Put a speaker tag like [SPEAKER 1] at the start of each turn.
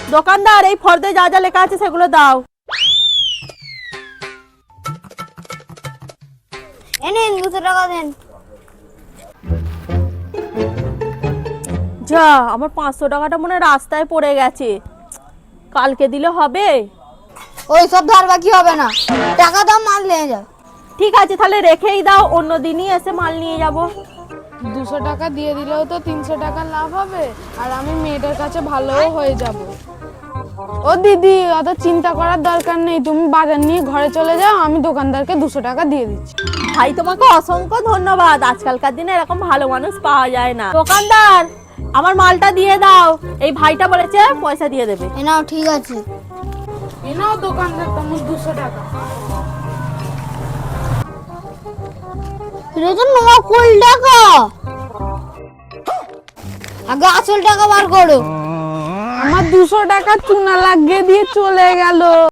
[SPEAKER 1] দোকানদার এই ফর্দে যা যা লেখা আছে সেগুলো দাও।
[SPEAKER 2] এনেন 200 টাকা দেন।
[SPEAKER 1] যা, আমার 500 টাকাটা মনে হয় রাস্তায় পড়ে গেছে, কালকে দিলে হবে?
[SPEAKER 2] ওই সব ধার বাকি হবে না, টাকা দাও, মাল নিয়ে যাও।
[SPEAKER 1] ঠিক আছে তাহলে রেখেই দাও, অন্য দিনই এসে মাল নিয়ে যাব।
[SPEAKER 3] 200 টাকা দিয়ে দিলেও তো 300 টাকা লাভ হবে, আর আমি মেয়েটার কাছে ভালোও হয়ে যাব। ও দিদি, অত চিন্তা করার দরকার নেই, তুমি বাজার নিয়ে ঘরে চলে যাও, আমি দোকানদারকে 200 টাকা দিয়ে দিচ্ছি।
[SPEAKER 1] ভাই তোমাকে অসংখ্য ধন্যবাদ, আজকালকার দিনে এরকম ভালো মানুষ পাওয়া যায় না। দোকানদার আমার মালটা দিয়ে দাও, এই ভাইটা বলেছে পয়সা দিয়ে দেবে।
[SPEAKER 2] এ নাও, ঠিক আছে।
[SPEAKER 3] এ নাও দোকানদার তোমার 200 টাকা।
[SPEAKER 2] এটা তো নকল টাকা, আগে আসল টাকা বার করো।
[SPEAKER 3] আমার 200 টাকা চুনা লাগিয়ে দিয়ে চলে গেল।